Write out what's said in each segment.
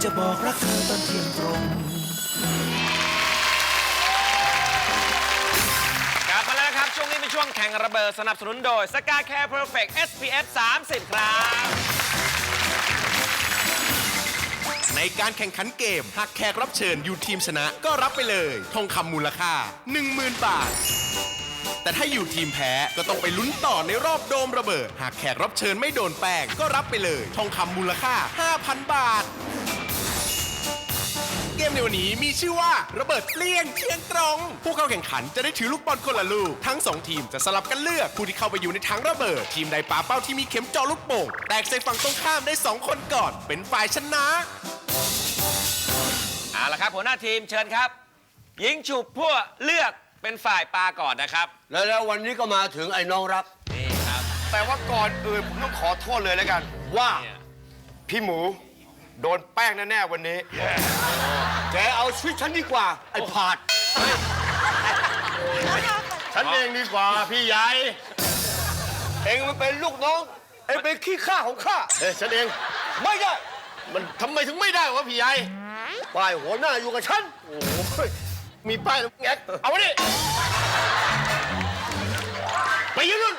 จะบอกรักเธอตอนเที่ยงตรงกลับมาแล้วครับช่วงนี้เป็นช่วงแข่งระเบิดสนับสนุนโดย Sky Care Perfect SPF 30 ครับในการแข่งขันเกมหากแขกรับเชิญอยู่ทีมชนะก็รับไปเลยทองคำมูลค่า 10,000 บาท แต่ถ้าอยู่ทีมแพ้ก็ต้องไปลุ้นต่อในรอบโดมระเบิด หากแขกรับเชิญไม่โดนแป้งก็รับไปเลยทองคำมูลค่า 5,000 บาท เกมในวันนี้มีชื่อว่าระเบิดเปลี่ยงเที่ยงตรง ผู้เข้าแข่งขันจะได้ถือลูกบอลคนละลูก ทั้ง 2 ทีมจะสลับกันเลือกผู้ที่เข้าไปอยู่ในถังระเบิด ทีมใดปาเป้าที่มีเข็มเจาะลูกโป่งแตกใส่ฝั่งตรงข้ามได้ 2 คนก่อน เป็นฝ่ายชนะเอาละครับหัวหน้าทีมเชิญครับ ยิงฉุบพวกเลือกเป็นฝ่ายปาก่อนนะครับแล้ววันนี้ก็มาถึงไอ้น้องรักนี่ครับแต่ว่าก่อนอื่นผมต้องขอโทษเลยแล้วกันว่าพี่หมูโดนแป้งแน่ๆวันนี้แกเอาชีวิตฉันดีกว่า ไอ้ผาดฉันเองดีกว่าพี่ใหญ่เองมันเป็นลูกน้อง เองเป็นขี้ข้าของข้าฉันเองไม่ได้มันทำไมถึงไม่ได้วะพี่ใหญ่ป้ายหัวหน้าอยู่กับฉันโอ้ยมีป้ายแล้วแงกเอาไว้ดิไปยืนนู่น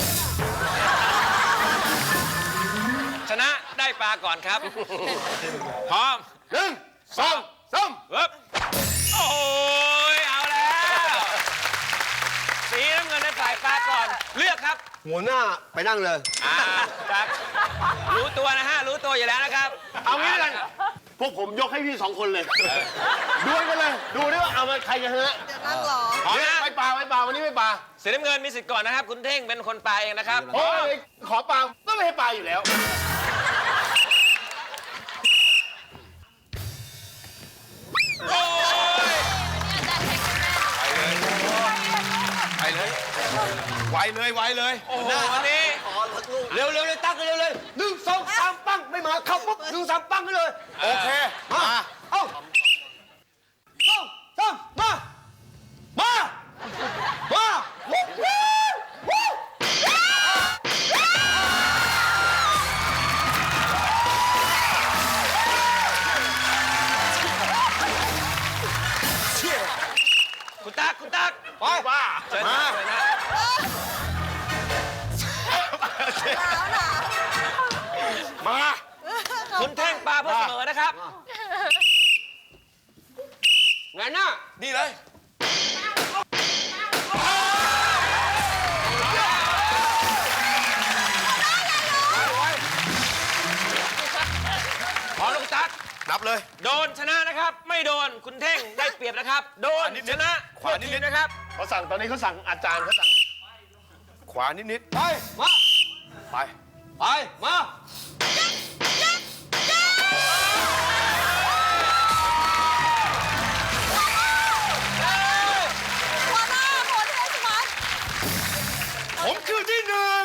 ชนะได้ปาก่อนครับ พร้อม 1 2 3 ปึ๊บโอ้ยเอาแล้ว สีน้ำเงินได้ฝ่ายปาก่อนเลือกครับหัวหน้าไปนั่งเลยครับรู้ตัวนะฮะรู้ตัวอยู่แล้วนะครับเอางี้แล้วกันพวกผมยกให้พี่2 คนเลยดวลกันเลย ดูดิว่าเอามาใครจะชนะเดี๋ยวนั่งรอพร้อมนะไม่ปลาวันนี้ไม่ปลาสีน้ำเงินมีสิทธิ์ก่อนนะครับ คุณเท่งเป็นคนปาเองนะครับโอ้ยขอปลาก็ไม่ให้ปลาอยู่แล้วโอ้ยไปเลยไวเลยโอ้โหวันนี้เร็วเลยตั้งกันเร็วเลย1 2 3 ปั้งไม่มาเข้าปุ๊บ1 3 ปั้งกันเลยโอเคมา เอ้า2 3มาคุณตั๊กไปว่าเชิญมาเลยนะมาคุณเท่งปาเพื่อเสมอนะครับไงหน้านี่เลยขอลูกตั๊กนับเลยโดนชนะนะครับ ไม่โดนคุณเท่งได้เปรียบนะครับ โดนชนะขวานิดทีมนะครับเขาสั่งตอนนี้เขาสั่งอาจารย์เขาสั่งขวานิดไป มาๆไปไป มาหัวหน้าโหดเทสมัสผมคือที่หนึ่ง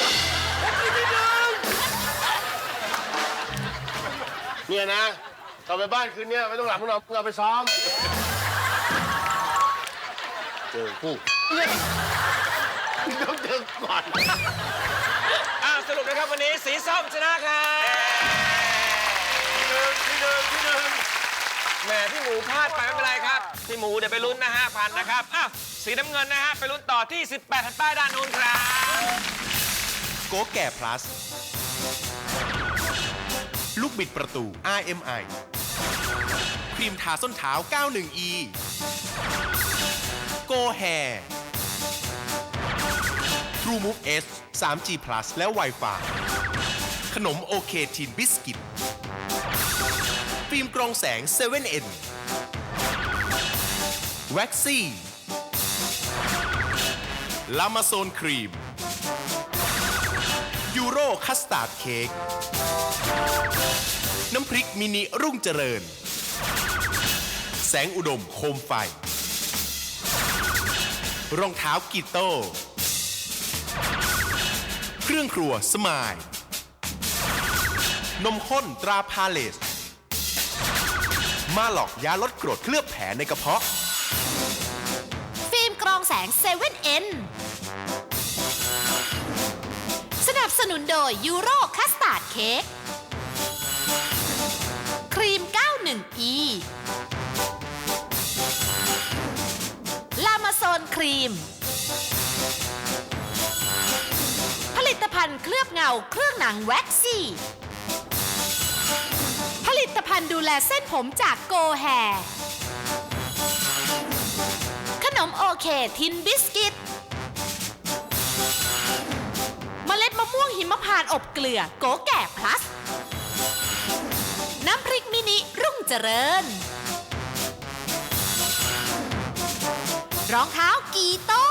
เนี่ยนะกลับไปบ้านคืนนี้ไม่ต้องหลับไม่ต้องนอนเอาไปซ้อม เจอผู้ต้องเจอก่อนสรุปนะครับวันนี้สีส้มชนะครับที่หนึ่งแหมพี่หมูพลาดไปไม่เป็นไรครับ พี่หมูเดี๋ยวไปลุ้นนะฮะพันนะครับสีน้ำเงินนะฮะไปลุ้นต่อที่ 18แผ่นป้ายด้านนู้นครับโกแก่ plus ลูกบิดประตู RMI ครีมทาส้นเท้า 91E Go Hair True Move S 3G Plus และ Wi-Fi ขนมโอเคทินบิสกิตฟิล์มกรองแสง 7N แว็กซี่ลามาโซนครีมยูโรคัสตาร์ดเค้กน้ำพริกมินิรุ่งเจริญ แสงอุดมโคมไฟ รองเท้ากีโต้ เครื่องครัวสมาย นมข้นตราพาเลส มาหลอกยาลดกรดเคลือบแผลในกระเพาะฟิล์มกรองแสง 7N สนับสนุนโดยยูโรคัสตาร์ดเค้กครีมณฑ์เคลือบเงาเครื่องหนังแว็กซี่ ผลิตภัณฑ์ดูแลเส้นผมจากโกแฮขนมโอเคทินบิสกิต เมล็ดมะม่วงหิมพานต์อบเกลือโกแก่พลัส น้ำพริกมินิรุ่งเจริญ รองเท้ากีโต้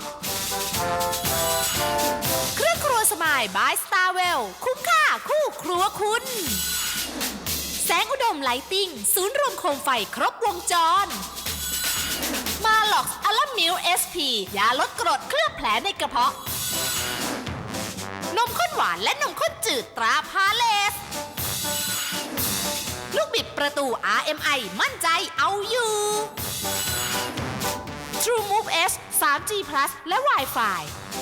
เครื่องครัวสมายบายสตาร์เวลคุ้มค่าคู่ครัวคุณ แสงอุดมไลติ้งศูนย์รวมโคมไฟครบวงจร มาล็อกอัลลัมมิลเอสพียาลดกรดเคลือบแผลในกระเพาะ นมข้นหวานและนมข้นจืดตราพาเลส ลูกบิดประตู RMI มั่นใจเอาอยู่ True Move S 3G Plus และ Wi-Fi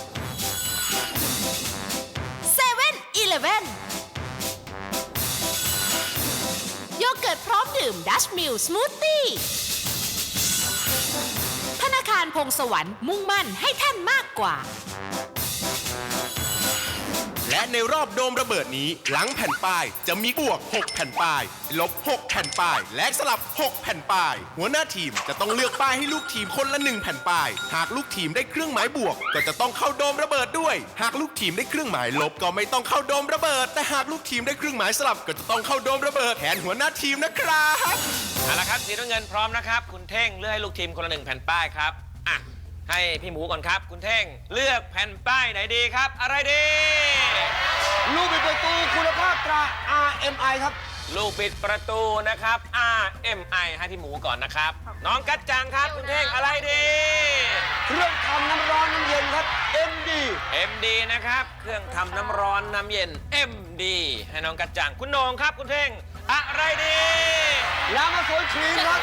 7-Eleven โยเกิร์ตพร้อมดื่ม Dutch Mill Smoothie ธนาคารพงสวรรค์มุ่งมั่นให้ท่านมากกว่าและในรอบโดมระเบิดนี้หลังแผ่นป้ายจะมีบวก 6 แผ่นป้าย ลบ 6 แผ่นป้าย และสลับ 6 แผ่นป้าย หัวหน้าทีมจะต้องเลือกป้ายให้ลูกทีมคนละ 1 แผ่นป้าย หากลูกทีมได้เครื่องหมายบวก ก็จะต้องเข้าโดมระเบิดด้วย หากลูกทีมได้เครื่องหมายลบก็ไม่ต้องเข้าโดมระเบิด แต่หากลูกทีมได้เครื่องหมายสลับก็จะต้องเข้าโดมระเบิดแทนหัวหน้าทีมนะครับเอาละครับสีน้ำเงินพร้อมนะครับคุณเท่งเลือกให้ลูกทีมคนละ1แผ่นป้ายครับอ่ะให้พี่หมูก่อนครับคุณเท่งเลือกแผ่นป้ายไหนดีครับ อะไรดีลูกบิดประตูคุณภาพตรา RMI ครับลูกปิดประตูนะครับ RMI ให้พี่หมูก่อนนะครับ น้องกัจจังครับคุณเท่งอะไรดีเครื่องทำน้ำร้อนน้ำเย็นครับ MD MD นะครับเครื่องทำน้ำร้อนน้ำเย็น MD ให้น้องกัจจังคุณโหนงครับคุณเท่งอะไรดีลามาสวนครีมครับ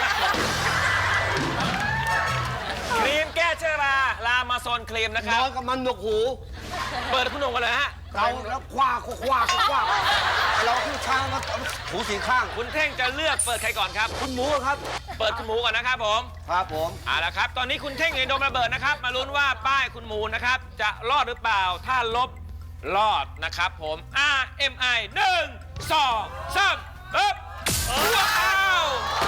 ครีมแก้เชื้อราลามาโซนครีมนะคนรับอนกับมันหนวกหูเปิดคุณโหนงกันเลยฮะเราแล้วคว้าเราขึ้นช้างมาถูสีข้างคุณเท่งจะเลือกเปิดใครก่อนครับคุณหมูครับเปิดคุณหมูก่อนนะครับผมครับผมเอาละครับตอนนี้คุณเท่งอยู่ในโดมระเบิดนะครับมาลุ้นว่าป้ายคุณหมูนะครับจะรอดหรือเปล่าถ้าลบรอดนะครับผม RMI 1 2 3ปึ๊บว้าว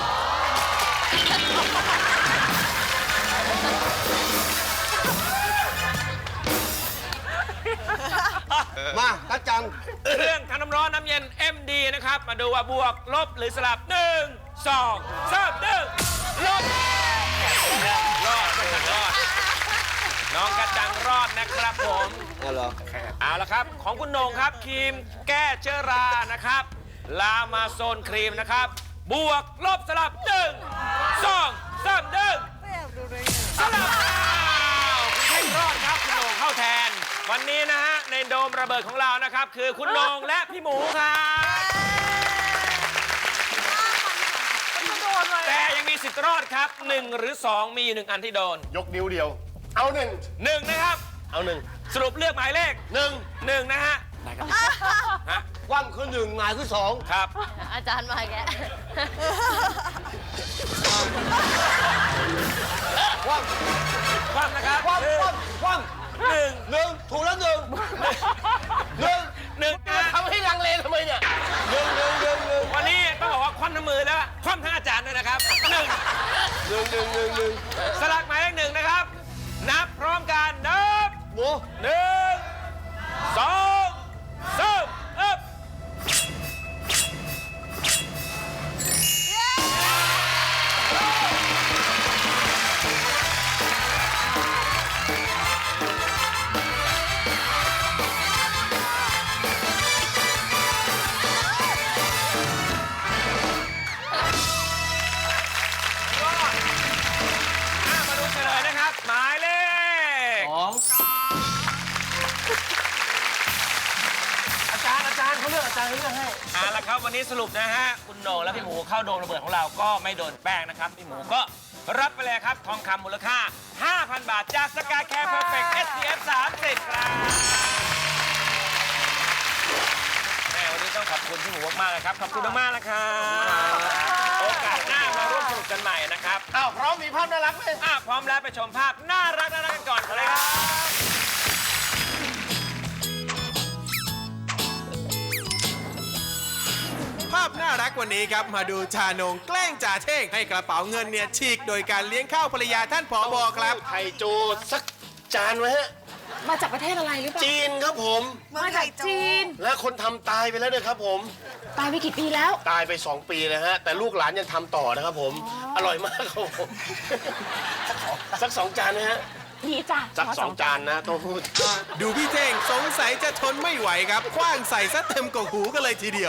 มากัจจังเครื่องทำน้ำร้อนน้ำเย็น MD นะครับมาดูว่าบวกลบหรือสลับ 1 2 3 1ลบรอดน้องกระจังรอดนะครับผมนั่นเหรอเอาละครับของคุณโหนงครับครีมแก้เชื้อรานะครับลามาโซนครีมนะครับบวกลบสลับ 1 2 3 1สลับคุณเท่งรอดครับคุณโหนงเข้าแทน วันนี้นะฮะในโดมระเบิดของเรานะครับคือคุณโหนงและพี่หมูครับแต่ยังมีสิทธิ์รอดครับ 1 หรือ 2 มีอยู่1อันที่โดนยกนิ้วเดียว เอาหนึ่ง 1นะครับเอาหนึ่งสรุปเลือกหมายเลข 1นะฮะฮะว่างคือหนึ่งหงายคือสองครับอาจารย์มาแกว่างความนะครับว่างว่างหนึ่งหนึ่งถูกแล้วหนึ่งหนึ่งหนึ่งนะทำให้ลังเลทำไมเนี่ยหนึ่งวันนี้ต้องบอกว่าคว่ำทั้งมือแล้วคว่ำทั้งอาจารย์ด้วยนะครับหนึ่งสลักหมายเลข1นะครับ นับพร้อมกันนับหมู 1 2 3อึ๊บมาดูเฉลยนะครับ หมายเลขสองอาจารย์เขาเลือกให้เอาละครับวันนี้สรุปนะฮะคุณโหนงและพี่หมูเข้าโดนระเบิดของเราก็ไม่โดนแป้งนะครับพี่หมูก็รับไปเลยครับทองคำมูลค่า 5,000 บาทจากสกายแคร์เพอร์เฟกต์ SPF 30 ครับแม่วันนี้ต้องขอบคุณพี่หมูมากๆเลยครับขอบคุณมากๆนะครับโอกาสหน้ามาร่วมสนุกกันใหม่นะครับอ้าวพร้อมมีภาพน่ารักไหมพร้อมแล้วไปชมภาพน่ารักกันก่อนเลยครับาพน่ารักวันนี้ครับ มาดูชานงแกล้งจ่าเท่งให้กระเป๋าเงินเนี่ยฉีกโดยการเลี้ยงข้าวภรรยาท่านผบครับไข่โจสักจานไว้ฮะมาจากประเทศอะไรหรือเปล่าจีนครับผมมาจากจีนและคนทำตายไปแล้วเนี่ยครับผมตายไปกี่ปีแล้วตายไป 2 ปีนะฮะ แต่ลูกหลานยังทำต่อนะครับผม อร่อยมากครับผม สัก 2 จานนะฮะนี่จ้ะสัก 2 จานนะโต้พูดดูพี่เท่งสงสัยจะทนไม่ไหวครับคว้างใส่ซะเต็มกกหูกันเลยทีเดียว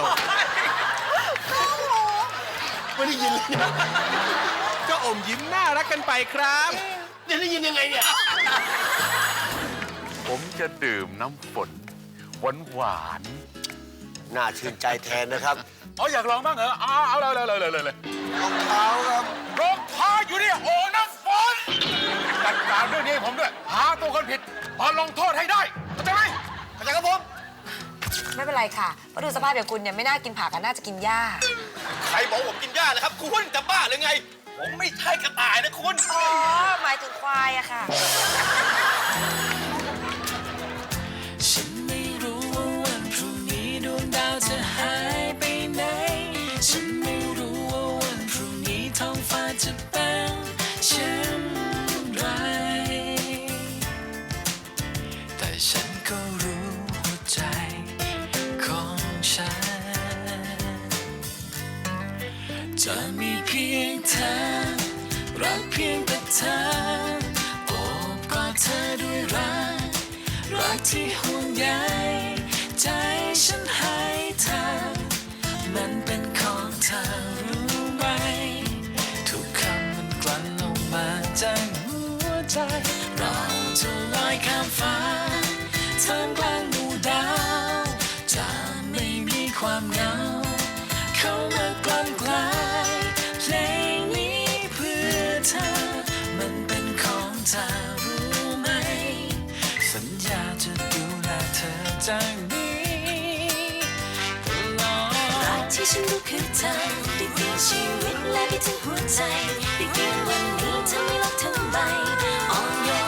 ไม่ได้ยินเลยเนี่ยก็อมยิ้มน่ารักกันไปครับจะได้ยินยังไงเนี่ยผมจะดื่มน้ำฝนหวานน่าชื่นใจแทนนะครับๆอ๋ออยากลองบ้างเหรอเอาเลยรองเท้าครับรองเท้าอยู่นี่โอ้น้ำฝนจัดการเรื่องนี้ให้ผมด้วย หาตัวคนผิดมาลงโทษให้ได้เข้าใจไหมเข้าใจครับผมไม่เป็นไรค่ะเพราะดูสภาพอย่างคุณเนี่ยไม่น่ากินผักอะน่าจะกินหญ้าใครบอกผมกินหญ้าเลยครับคุณจะบ้าหรือไง ผมไม่ใช่กระต่ายนะคุณอ๋อ หมายถึงควายอะค่ะฉันไม่รู้ว่าวันพรุ่งนี้ดวงดาวจะหายไปไหน ฉันไม่รู้ว่าวันพรุ่งนี้ท้องฟ้าจะเป็นเช่นไร แต่ฉันก็รู้หัวใจของฉัน จะมีเพียงเธอ รักเพียงแต่เธอ โอบกอดเธอด้วยรัก รักที่ห่วงใยใจฉันให้เธอ มันเป็นของเธอรู้ไหม ทุกคำมันกลั่นออกมาจากหัวใจ เราจะลอยข้ามฟ้าท่ามกลางหมู่ดาว จะไม่มีความเหงาเข้ามากลั่นกลายเพลงนี้เพื่อเธอ มันเป็นของเธอรู้ไหม สัญญาจะดูแลเธอจากนี้ตลอดรักที่ฉันรู้คือเธอได้เปลี่ยนชีวิตและได้ถึงหัวใจได้เปลี่ยนวันนี้เธอไม่รักทำไมอ่อนโยน